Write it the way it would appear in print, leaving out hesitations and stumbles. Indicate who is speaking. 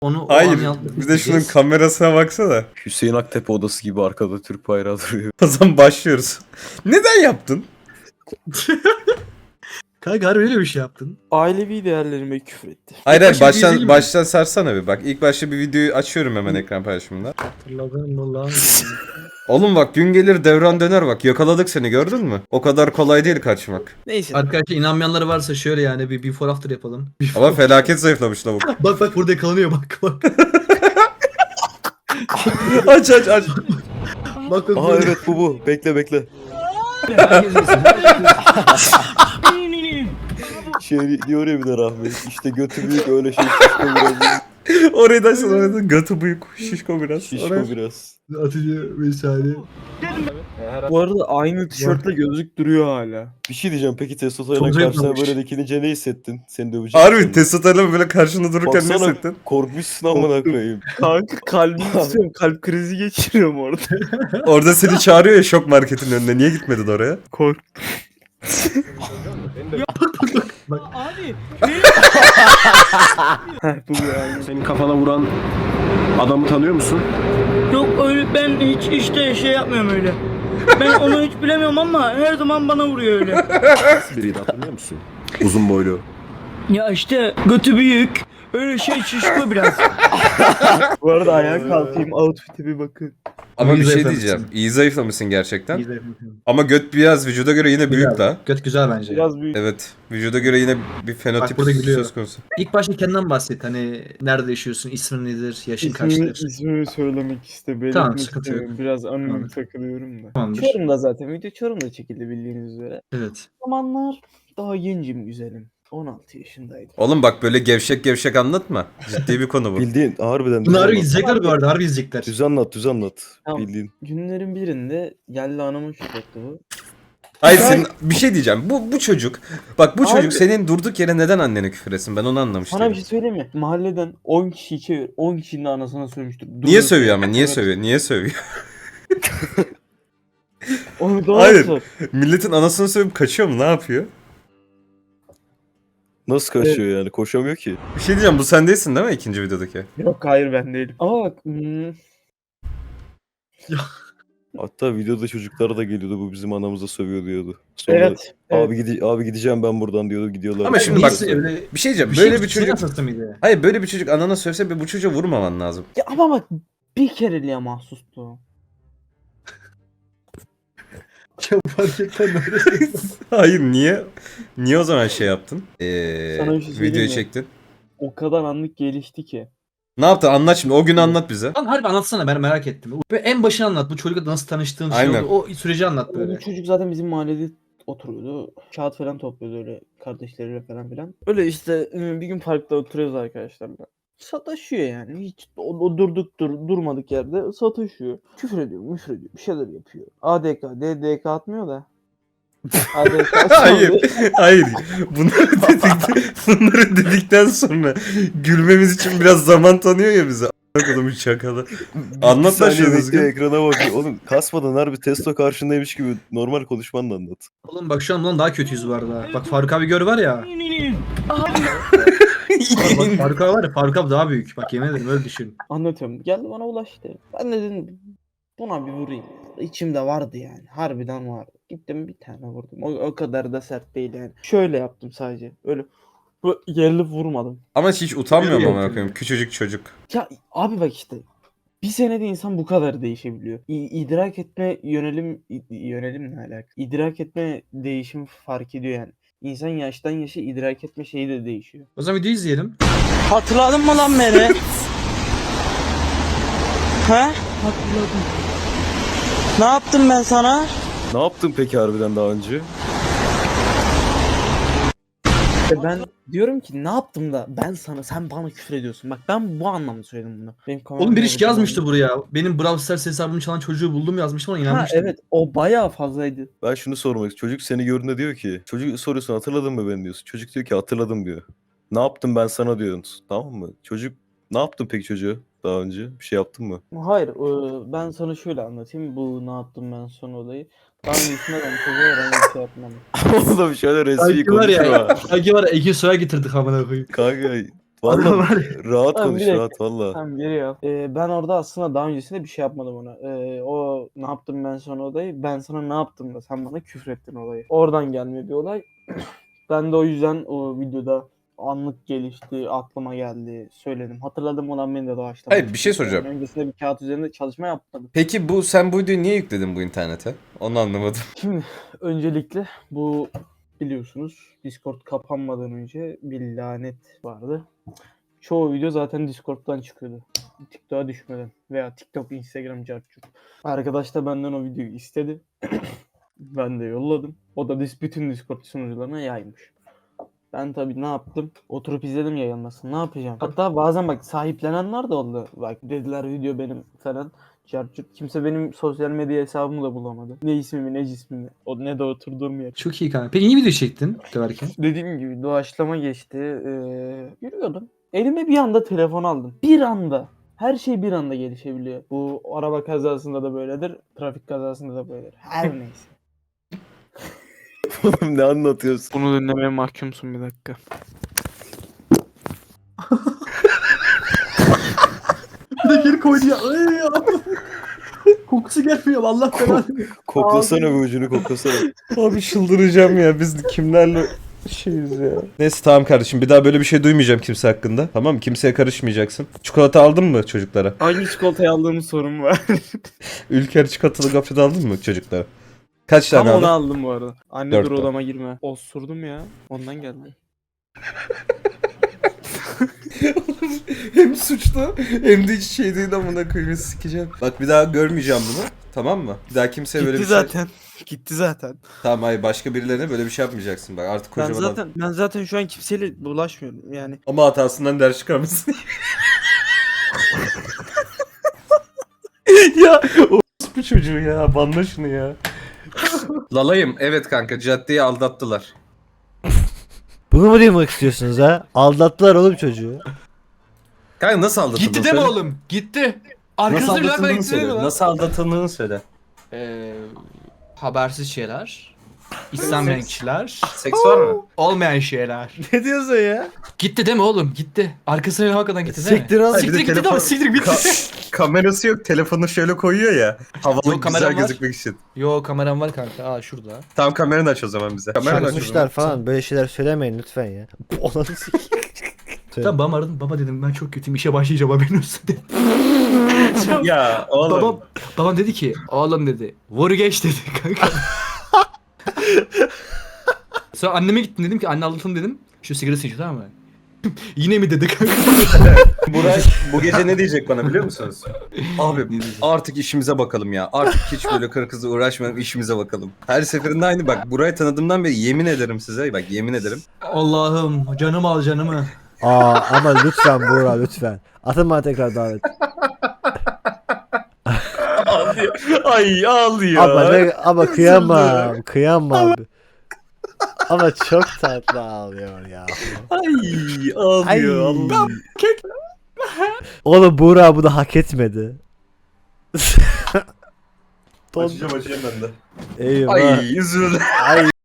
Speaker 1: Onu o
Speaker 2: Hayır.
Speaker 1: an yaptık.
Speaker 2: Bir de şunun kamerasına baksana.
Speaker 3: Hüseyin Aktepe odası gibi arkada Türk bayrağı duruyor.
Speaker 2: O zaman başlıyoruz. Neden yaptın?
Speaker 1: Kanka harbi öyle bir şey yaptın.
Speaker 4: Ailevi değerlerime küfür etti.
Speaker 2: Hayır hayır
Speaker 1: başta bir izleyelim mi?
Speaker 2: baştan sarsana bir bak. İlk başta bir videoyu açıyorum hemen ekran paylaşımında.
Speaker 1: Hatırladın mı lan?
Speaker 2: Oğlum bak gün gelir devran döner bak. Yakaladık seni gördün mü? O kadar kolay değil kaçmak.
Speaker 4: Neyse.
Speaker 1: Arkadaşlar inanmayanları varsa şöyle yani bir before after yapalım.
Speaker 2: Ama felaket zayıflamış lavuk.
Speaker 1: Bak burada yakalanıyor bak.
Speaker 2: Aç aç aç.
Speaker 1: Bak
Speaker 3: Aa
Speaker 1: burada.
Speaker 3: evet bu. Bekle bekle.
Speaker 1: Herkes yesin.
Speaker 3: Şey diyor ya bir de rahmet. İşte götü büyük öyle şey şişko biraz.
Speaker 2: Orayı da açsana orayı da. Götü büyük şişko biraz.
Speaker 3: Şişko
Speaker 2: Oraya-
Speaker 3: biraz.
Speaker 1: Atıcı vesaire.
Speaker 4: Bu arada aynı tişörtle gözlük duruyor hala.
Speaker 3: Bir şey diyeceğim peki testosterona
Speaker 1: Çok
Speaker 3: karşısına
Speaker 1: zayıflamış.
Speaker 3: böyle dikilince ne hissettin? Seni dövecek.
Speaker 2: Harbi testosterona böyle karşında dururken ne
Speaker 3: Baksana
Speaker 2: hissettin?
Speaker 3: korkmuşsun amına koyayım.
Speaker 4: Kanka kalbim istiyorum. Kalp krizi geçiriyorum orada.
Speaker 2: Orada seni çağırıyor ya şok marketin önüne. Niye gitmedin oraya?
Speaker 4: Korktum.
Speaker 5: Abi
Speaker 4: Heh bu yani.
Speaker 6: Senin kafana vuran adamı tanıyor musun?
Speaker 5: yok öyle ben hiç işte şey yapmıyorum öyle. Ben onu hiç bilemiyorum ama her zaman bana vuruyor öyle.
Speaker 6: Nasıl biriydi hatırlıyor musun? Uzun boylu.
Speaker 5: Ya işte götü büyük. Öyle şey şişko biraz.
Speaker 4: Bu arada ayağa kalkayım outfit'e bir bakın.
Speaker 2: Ama
Speaker 1: İyi
Speaker 2: bir şey
Speaker 1: zayıflamışsın.
Speaker 2: diyeceğim. İyi zayıflamışsın gerçekten.
Speaker 1: İyi de yapıyorum.
Speaker 2: Ama göt biraz vücuda göre yine büyük
Speaker 1: Güzel.
Speaker 2: la.
Speaker 1: Göt güzel bence.
Speaker 4: Biraz büyük.
Speaker 2: Evet. Vücuda göre yine bir fenotip
Speaker 1: burada gülüyor.
Speaker 2: söz konusu.
Speaker 1: İlk başta kendinden bahset. Hani nerede yaşıyorsun, ismin nedir, yaşın kaçtır?
Speaker 4: İsmimi söylemek istemiyorum.
Speaker 1: Tamam, sıkıntı yok.
Speaker 4: Biraz anonim
Speaker 1: Tamam.
Speaker 4: takılıyorum da.
Speaker 1: Tamamdır.
Speaker 4: Çorum'da zaten. Video Çorum'da çekildi bildiğiniz üzere.
Speaker 1: Evet.
Speaker 4: O zamanlar daha gencim güzelim. 16 yaşındaydım.
Speaker 2: Oğlum bak böyle gevşek gevşek anlatma. Ciddi bir konu bu.
Speaker 3: Bildiğin harbiden.
Speaker 1: Bunu
Speaker 3: düz
Speaker 1: harbi
Speaker 3: anlat.
Speaker 1: izleyecekler bu arada. Harbi izleyecekler.
Speaker 3: Düz anlat düz anlat.
Speaker 4: Tamam.
Speaker 3: Bildiğin.
Speaker 4: Günlerin birinde geldi anamın şükretti bu.
Speaker 2: Hayır senin bir şey diyeceğim. Bu çocuk. Bak bu
Speaker 4: Abi-
Speaker 2: çocuk senin durduk yere neden annene küfür etsin? Ben onu anlamış
Speaker 4: Sana
Speaker 2: değilim.
Speaker 4: bir şey söyleyeyim mi? Mahalleden 10 kişi çevir. 10 kişinin de anasına sövmüştür.
Speaker 2: Niye
Speaker 4: Durduk
Speaker 2: sövüyor
Speaker 4: yere.
Speaker 2: ama? Niye
Speaker 4: Evet.
Speaker 2: sövüyor? Niye sövüyor?
Speaker 4: Onu doğru
Speaker 2: Hayır.
Speaker 4: sor.
Speaker 2: Milletin anasını sövüp kaçıyor mu? Ne yapıyor?
Speaker 3: Nasıl kaçıyor yani? Koşamıyor ki.
Speaker 2: Bir şey diyeceğim. Bu sen değilsin değil mi ikinci videodaki?
Speaker 4: Yok hayır ben değilim. Ama bak
Speaker 3: Hatta videoda çocuklar da geliyordu bu bizim anamıza sövüyor diyordu. Sonra
Speaker 4: evet.
Speaker 3: abi gideceğim ben buradan diyordu gidiyorlar.
Speaker 2: Ama şimdi bak-
Speaker 1: Birisi öyle
Speaker 2: Bir şey diyeceğim.
Speaker 1: bir
Speaker 2: Böyle
Speaker 1: şey
Speaker 2: bir çocuk...
Speaker 1: Senin mıydı?
Speaker 2: Hayır böyle bir çocuk anana sövse bir bu çocuğa vurmaman lazım.
Speaker 4: Ya ama bak bir kereliğe mahsustu.
Speaker 1: Ya fark etmem
Speaker 2: Hayır niye? Niye o zaman şey yaptın?
Speaker 4: Sana bir şey söyleyeyim
Speaker 2: Videoyu
Speaker 4: mi?
Speaker 2: çektin.
Speaker 4: O kadar anlık gelişti ki.
Speaker 2: Ne yaptın? Anlat şimdi. O günü anlat bize.
Speaker 1: Lan harbi anlatsana ben merak ettim. Ve en başını anlat. Bu çocukla nasıl tanıştığın şey
Speaker 2: Aynen.
Speaker 1: oldu. O süreci anlat böyle.
Speaker 4: Bu çocuk zaten bizim mahallede oturuyordu. Kağıt falan topluyordu öyle kardeşleriyle falan filan. Öyle işte bir gün parkta oturuyoruz arkadaşlarla. Sataşıyor yani. Hiç durmadık yerde sataşıyor. Küfür ediyor, müfür ediyor. Bir şeyler yapıyor. ADK, DDK atmıyor da. ADK
Speaker 2: Hayır. Hayır. Bunları dedikten sonra gülmemiz için biraz zaman tanıyor ya bize. Bakalım şakalı. Anlat lan
Speaker 3: Saniye
Speaker 2: şunu
Speaker 3: bekle,
Speaker 2: düzgün.
Speaker 3: ekrana bak. Oğlum kasmadan harbi testo karşındaymış gibi normal konuşmanla anlat.
Speaker 1: Oğlum bak şu an bundan daha kötüyüz bu arada. Bak Faruk abi gör var ya. Bak Faruk abi var ya. Faruk abi daha büyük. Bak yemin ederim öyle düşün.
Speaker 4: Anlatıyorum. Geldi bana ulaştı. Ben de dedim buna bir vurayım. İçimde vardı yani. Harbiden vardı. Gittim bir tane vurdum. O kadar da sert değil yani. Şöyle yaptım sadece. Öyle bu gerilip vurmadım.
Speaker 2: Ama hiç utanmıyor mu
Speaker 1: Yok
Speaker 2: amına
Speaker 1: yani.
Speaker 2: koyayım? Küçücük çocuk.
Speaker 4: Ya abi bak işte. Bir senede insan bu kadar değişebiliyor. İdrak etme yönelim ne alaka? İdrak etme değişim fark ediyor yani. İnsan yaştan yaşa idrak etme şeyi de değişiyor.
Speaker 1: O zaman videoyu izleyelim.
Speaker 5: Hatırladın mı lan beni? He?
Speaker 4: Hatırladım.
Speaker 5: Ne yaptım ben sana?
Speaker 3: Ne yaptın peki harbiden daha önce?
Speaker 4: Ben diyorum ki ne yaptım da sen bana küfür ediyorsun. Bak ben bu anlamda söyledim bunu. Benim
Speaker 1: Oğlum bir iş
Speaker 4: kameram
Speaker 1: yazmıştı buraya. Benim Brawl Stars hesabımı çalan çocuğu buldum yazmıştım ona
Speaker 4: Ha
Speaker 1: inanmıştım.
Speaker 4: evet o bayağı fazlaydı.
Speaker 3: Ben şunu sormak istiyorum. Çocuk seni gördüğünde diyor ki. Çocuk soruyorsun hatırladın mı beni diyorsun. Çocuk diyor ki hatırladım diyor. Ne yaptım ben sana diyorsun. Tamam mı? Çocuk ne yaptın peki çocuğa daha önce? Bir şey yaptın mı?
Speaker 4: Hayır ben sana şöyle anlatayım. Bu ne yaptım ben son olayı. Daha öncesinde ben çocuğa herhangi bir şey yapmadım.
Speaker 3: Oğlum şöyle resmi
Speaker 1: Sanki var ya.
Speaker 3: konuşma.
Speaker 1: Sanki var ya Ege Soy'a getirdik amına koyayım.
Speaker 3: Kanka Vallahi rahat
Speaker 4: Tamam,
Speaker 3: konuş
Speaker 4: bir dakika.
Speaker 3: rahat valla.
Speaker 4: Tamam geliyor. Ben orada aslında daha öncesinde bir şey yapmadım ona. O ne yaptım ben sana olayı? Ben sana ne yaptım da sen bana küfrettin olayı. Oradan gelmiyor bir olay. Ben de o yüzden o videoda anlık gelişti, aklıma geldi, söyledim. Hatırladım olan beni de doğaçlama.
Speaker 2: Hayır, bir şey soracağım.
Speaker 4: Öncesinde bir kağıt üzerinde çalışma yapmadım.
Speaker 2: Peki sen bu videoyu niye yükledin bu internete? Onu anlamadım.
Speaker 4: Şimdi öncelikle bu biliyorsunuz Discord kapanmadan önce bir lanet vardı. Çoğu video zaten Discord'dan çıkıyordu. TikTok'a düşmeden veya TikTok, Instagram, cartçuk. Arkadaş da benden o videoyu istedi. Ben de yolladım. O da bütün Discord sunucularına yaymış. Ben tabii ne yaptım? Oturup izledim yayılmasını. Ne yapacağım? Hatta bazen bak sahiplenenler de oldu. Bak dediler video benim falan. Cartçuk. Kimse benim sosyal medya hesabımı da bulamadı. Ne ismimi ne cismimi. O ne de oturduğum yer.
Speaker 1: Çok iyi kanka. Peki iyi video çektin döverken.
Speaker 4: Dediğim gibi doğaçlama geçti. Yürüyordum. Elime bir anda telefon aldım. Bir anda. Her şey bir anda gelişebiliyor. Bu araba kazasında da böyledir. Trafik kazasında da böyledir. Her neyse.
Speaker 3: Oğlum ne anlatıyorsun?
Speaker 4: Bunu dinlemeye mahkumsun bir dakika.
Speaker 1: Bir de geri koydu ya. Ay ya. Kokusu gelmiyor Allah belanı.
Speaker 3: Koklasana bir ucunu koklasana.
Speaker 2: Abi çıldıracağım ya. Biz kimlerle şeyiz ya. Neyse tamam kardeşim. Bir daha böyle bir şey duymayacağım kimse hakkında. Tamam mı? Kimseye karışmayacaksın. Çikolata aldın mı çocuklara?
Speaker 4: Hangi çikolatayı aldığımı sorun var.
Speaker 2: Ülker çikolatalı gofret aldın mı çocuklara? Kaç
Speaker 4: Tam
Speaker 2: tane
Speaker 4: onu
Speaker 2: aldın?
Speaker 4: aldım bu arada. Anne
Speaker 2: Dört
Speaker 4: dur
Speaker 2: tane.
Speaker 4: odama girme. Osurdum ya. Ondan geldi.
Speaker 2: Hem suçlu hem de hiç şey değil amına koyayım sikeceğim. Bak bir daha görmeyeceğim bunu. Tamam mı? Bir daha kimseye böyle bir şey...
Speaker 4: Gitti zaten.
Speaker 2: Tamam hayır başka birilerine böyle bir şey yapmayacaksın bak artık kocaman adam.
Speaker 4: Ben zaten şu an kimseyle bulaşmıyorum yani.
Speaker 2: Ama hatasından ders çıkarmışsın. Ya bu çocuğu ya banla şunu ya. Lalayım evet kanka caddeyi aldattılar.
Speaker 7: Bunu mu duymak istiyorsunuz ha? Aldattılar oğlum çocuğu.
Speaker 2: Kanka nasıl aldatıldın?
Speaker 1: Gitti deme oğlum. Gitti.
Speaker 2: Nasıl
Speaker 1: Arkasında bir dakika
Speaker 2: aldatıldığını
Speaker 1: gitti
Speaker 2: söyle.
Speaker 1: deme lan.
Speaker 2: Nasıl aldatıldığını söyle.
Speaker 1: Habersiz şeyler. İstenmeyen kişiler.
Speaker 2: Seks var mı?
Speaker 1: Olmayan şeyler.
Speaker 7: Ne diyorsun ya?
Speaker 1: Gitti deme oğlum gitti. Arkasına hakikaten gitti deme.
Speaker 7: Siktir al.
Speaker 1: Siktir gitti deme siktir bitti.
Speaker 2: Kamerası yok telefonu şöyle koyuyor ya. Havalı
Speaker 1: Yok, kameram
Speaker 2: güzel
Speaker 1: var.
Speaker 2: gözükmek için.
Speaker 1: Yo kameram var kanka. Aa şurada.
Speaker 2: Tamam kameranı aç o zaman bize. Kameranı aç o zaman.
Speaker 7: Çarpmışlar falan böyle şeyler söylemeyin lütfen ya. Ananı sikeyim.
Speaker 1: Tamam babam aradım. Baba dedim ben çok kötüyüm işe başlayacağım haberin olsun dedim.
Speaker 2: Ya oğlum.
Speaker 1: Babam dedi ki oğlum dedi vur geç dedi kanka. Sonra anneme gittim dedim ki anne aldatın dedim. Şu sigarası içiyor tamam mı? Yine mi dedi kanka?
Speaker 2: Buray bu gece ne diyecek bana biliyor musunuz? Abi artık işimize bakalım ya. Artık hiç böyle karı kızla uğraşmayalım işimize bakalım. Her seferinde aynı bak Buray'ı tanıdığımdan beri yemin ederim size bak yemin ederim.
Speaker 1: Allah'ım canım al canımı.
Speaker 7: Ama lütfen Buğra lütfen. Atın bana tekrar davet.
Speaker 2: Ay ağlıyor.
Speaker 7: Ama kıyamam. Kıyamam. Ama çok tatlı ağlıyor ya.
Speaker 2: Ay ağlıyor. Allah.
Speaker 7: Oğlum Buğra bunu hak etmedi.
Speaker 2: Açacağım ben de.
Speaker 7: Eyvah.
Speaker 2: Ay üzüldüm.
Speaker 7: Ay